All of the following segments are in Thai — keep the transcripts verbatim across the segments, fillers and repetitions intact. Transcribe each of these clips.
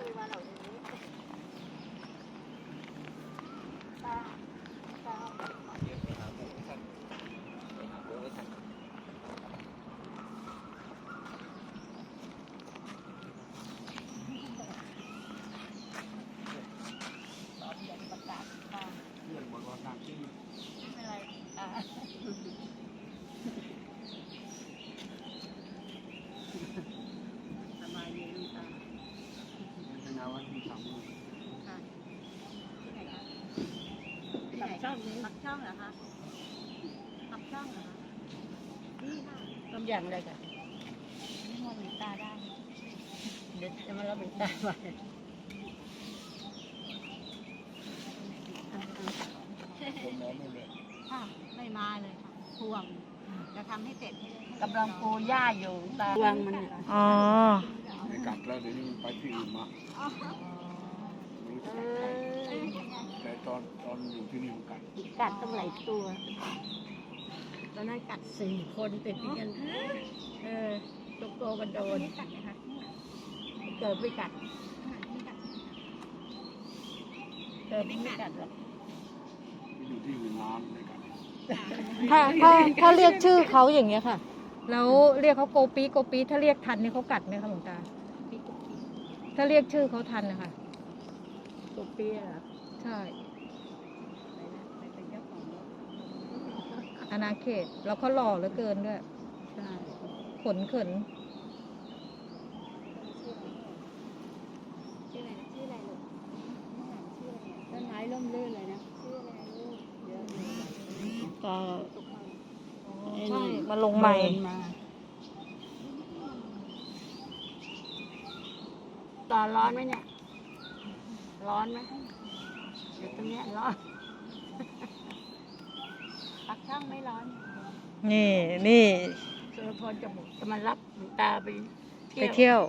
มาเหล่านี้ตาตาเดี๋ยวไปหาหมูท่านไปหาหมูให้ท่านตอนเย็นประกาศมาเรื่องบนวันน้ำที่ไม่เป็นไรอ่าสบายดีลูกตาเป็นงานวันที่สามมื้อค่ะที่ไหนคะที่ไหนช่องนี้ปักช่องเหรอคะปักช่องเหรอคะนี่ค่ะต้มยำอะไรกันนี่มองหลวงตาได้เดี๋ยวจะมารับหลวงตาไปคนน้องไม่เลยค่ะไม่มาเลยค่ะห่วงจะทำให้เสร็จให้กำลังปูหญ้าอยู่ตาห่วงมันอ๋อในกัดแล้วเดี๋ยวนี้มันไปที่อื่นมาไม่รู้จะกัดใครแต่ตอนตอนอยู่ที่นี่มันกัดกัดตั้งหลายตัวตอนนั้นกัดสี่คนติดกันเออตกโตกันโดนเกิดไม่กัดเกิดไม่กัดหรอกอยู่ที่อื่นน้ำในกัดถ้าถ้าถ้าเรียกชื่อเขาอย่างเงี้ยค่ะ แล้วเรียกเขาโกปีโกปีถ้าเรียกทันนี่เขากัดไหมคะหลวงตา ถ้าเรียกชื่อเขาทันนะคะตัวเปี้ยเหรอใช่ไปเป็นเจ้าของรถอาณาเขต แล้วเขาหล่อเหลือเกินด้วยใช่ขนเขินชื่ออะไรชื่ออะไรลูกชื่ออะไรต้นไม้ร่มรื่นเลยนะชื่ออะไรลูกเยอะเลยก็ใช่ มาลงใหม่ตอนร้อนไหมเนี่ย ร้อนไหมเดี๋ยวตรงเนี้ยร้อน ปักช่องไม่ร้อนนี่นี่สุรพลจะบอกจะมารับหลวงตาไปไปเที่ยว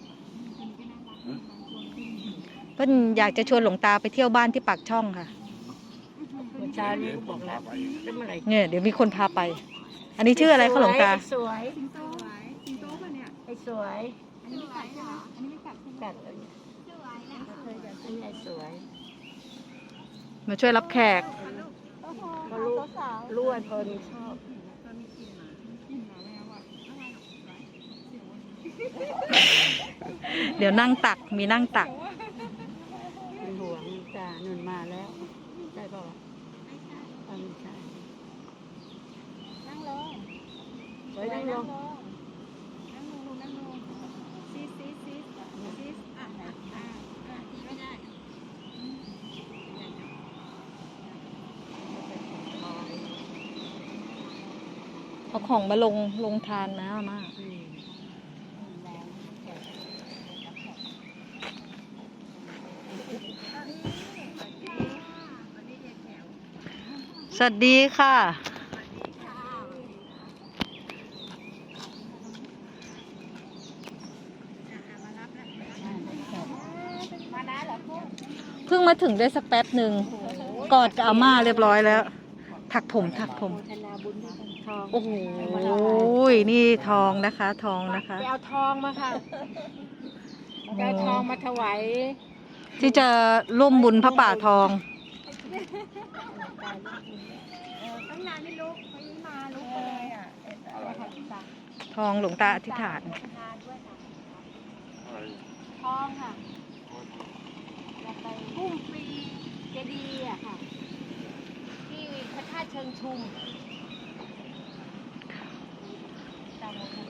เพิ่นอยากจะชวนหลวงตาไปเที่ยวบ้านที่ปากช่องค่ะเมื่อเช้านี้ก็บอกแล้วแล้วเมื่อไหร่เนี่ยเดี๋ยวมีคนพาไป อันนี้ชื่ออะไรคะหลวงตาสวยสิงโตสิงโตป่ะเนี่ยไอ้สวย อันนี้ไม่กัดใช่ไหมอันนี้ไม่กัดกัดเลยสวยนะเคยกัดอันนี้ไอ้สวยมาช่วยรับแขกก็รู้รู้ว่าเธอนี่ชอบเดี๋ยวนั่งตัก มีนั่งตักเป็นห่วงจ้าหนุนมาแล้วได้ป่าวไม่ใช่นั่งลงสวยนั่งลงนั่งลงนั่งลงซีซีซีซีอ่ะอ่ะอ่ะทีไม่ได้เอาของมาลงลงทานนะมาสวัสดีค่ะ เพิ่งมาถึงได้สักแป๊บหนึ่งกอดกับอาม่าเรียบร้อยแล้ว ถักผมถักผม โอ้โหนี่ทองนะคะ ทองนะคะไปเอาทองมาค่ะไปเอาทองมาถวายที่จะร่วมบุญพระป่าทองตั้งนานไม่ลุกไม่มาลุกเลยอ่ะทองหลวงตาอธิษฐานทองค่ะจะไปพุ่มฟรีเจดีย์อ่ะค่ะ ที่พระธาตุเชิงชุมตามมาดู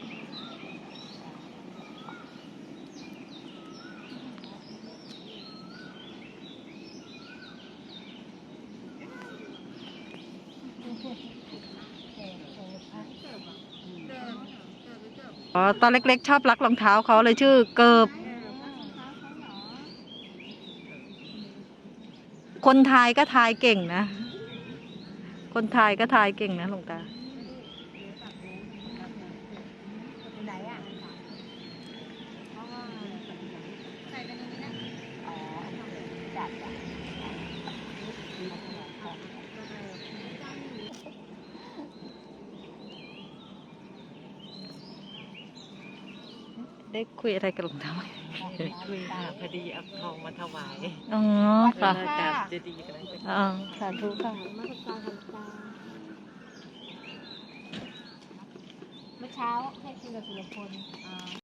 อ๋อ ตอนเล็กๆชอบรักรองเท้าเขาเลยชื่อเกิบ คนไทยก็ทายเก่งนะ คนไทยก็ทายเก่งนะหลวงตาไหนอ่ะใส่ไปในนี้นะอ๋อจัดอ่ะได้คุยอะไรกับหลวงตาไหมคุยค่ะพอดีเอาทองมาถวายอ๋อค่ะกราบเจดีย์กันเลยอ๋อสาธุค่ะมาตรการทำตาเมื่อเช้าให้คุณกับสุรพล